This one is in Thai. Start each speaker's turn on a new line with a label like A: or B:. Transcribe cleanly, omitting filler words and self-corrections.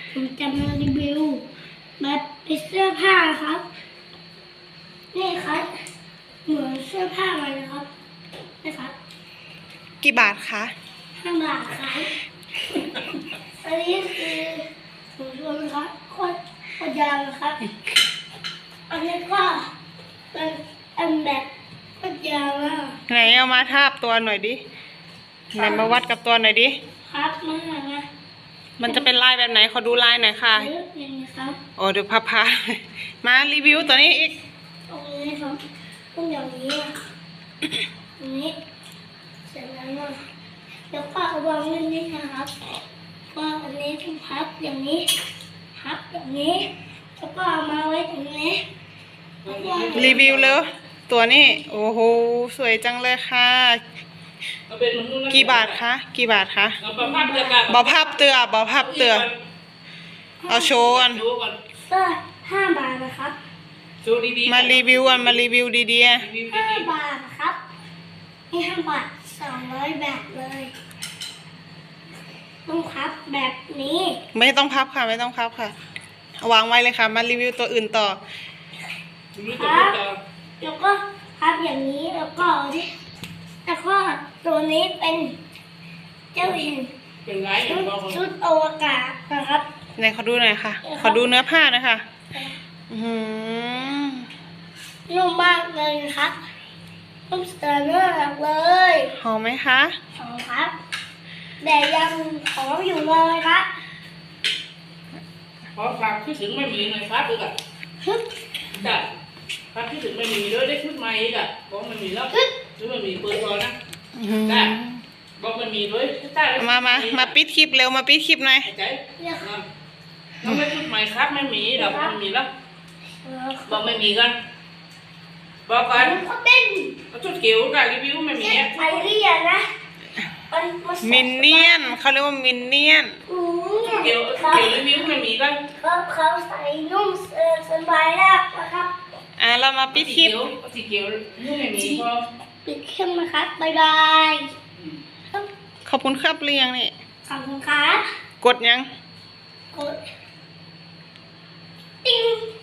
A: ผมจะมารีวิวแบบเป็นเสื้อผ้าครับนี่ครับเหมือนเสื้อผ้าเลยนะครับนะครับ
B: กี่บาทคะ
A: 5 บาทครับอันนี้คือถุงชวนครับโคตรยาวนะครับอันนี้ก็เป็นอันแบบโคตรยาวอ่ะ
B: ไหนเอามาทาบตัวหน่อยดิไหนมาวัดกับตัวหน่อยดิ
A: ครับมา
B: มันจะเป็นลายแบบไหนขอดูลายหน่อยค่ะ
A: เลือกอย่างนี้ครับ
B: โอ้เดี๋ยวพามารีวิวตัวนี้อีก
A: ตรงนี้ครับต้องอย่างนี้อ่ะตรงนี้เสร็จแล้วอ่ะแล้วก็เอาวางไว้นี่นะครับก็อันนี้ต้องพับอย่างนี้พับอย่างนี้แล้วก็เอามาไว้ตรงนี้แล้วก็
B: รีวิวเลยตัวนี้โอ้โหสวยจังเลยค่ะ กี่บาทคะกี่บาทคะบอพับเตือบอพับเตือเอาโชว์กัน
A: เสื้อ5 บาทนะครับ
B: มารีวิวกันมารีวิวดีๆ
A: 5 บาทนะครับนี่5 บาท200 แบบเลยต้องพับแบบนี้
B: ไม่ต้องพับค่ะไม่ต้องพับค่ะเอาวางไว้เลยค่ะ มารีวิวตัวอื่นต่อ
A: ครับแล้วก็พับอย่างนี้แล้วก็ตัวนี้เป็นเจ้าเห็นชุดอวกาศนะครับ
B: ไหนขอดูหน่อยค่ะ ขอดูเนื้อผ้าหน่อยค่ะอื้อหือ
A: นุ่มมากเลยครับนุ่มเสือเนื้อเลย
B: หอมไหมคะ
A: หอมครับแต่ยังหอมอยู่เลยครับ
C: ขอฝากคิดถึงไม่มีหน่อยครับอีกอ่ะ
A: ฮึบ
C: จ้ะฝากคิดถึงไม่มีด้วยได้ชุดใหม่อีกอ่ะบอกไม่มีแล้วชุดไม่มีเปิดพอนะ
B: อื้อหือ
C: จ้ะบอกไม่มีด้วยจ้ะ
B: มาปิดคลิปเร็วมาปิดคลิปหน่อย
C: ใจ
A: เนี่ย
C: น้องไม่ชุดใหม่ครับไม่มีหรอกไม่มีแล้วบอกไม่มีกันบอกกัน
A: เขาเต้น
C: ชุดเกี่ยวกับรีวิวไม่มีอ่ะ
A: ไอเรียนะมัน
B: มินเนี่ยนเขาเรียกว่ามินเนี่ยน
C: เกี่ยวรีวิวไม่มีกัน
A: เขาใส่นุ่มสบายมากนะครับ
B: เรามาปิดคลิป
C: สีเกี่ยวไม่มีพอ
A: ปิดเครื่องนะครับบ๊ายบาย
B: ขอบคุณครับเรียงนี่
A: ขอบคุณครับ
B: กดยัง
A: กดติ้ง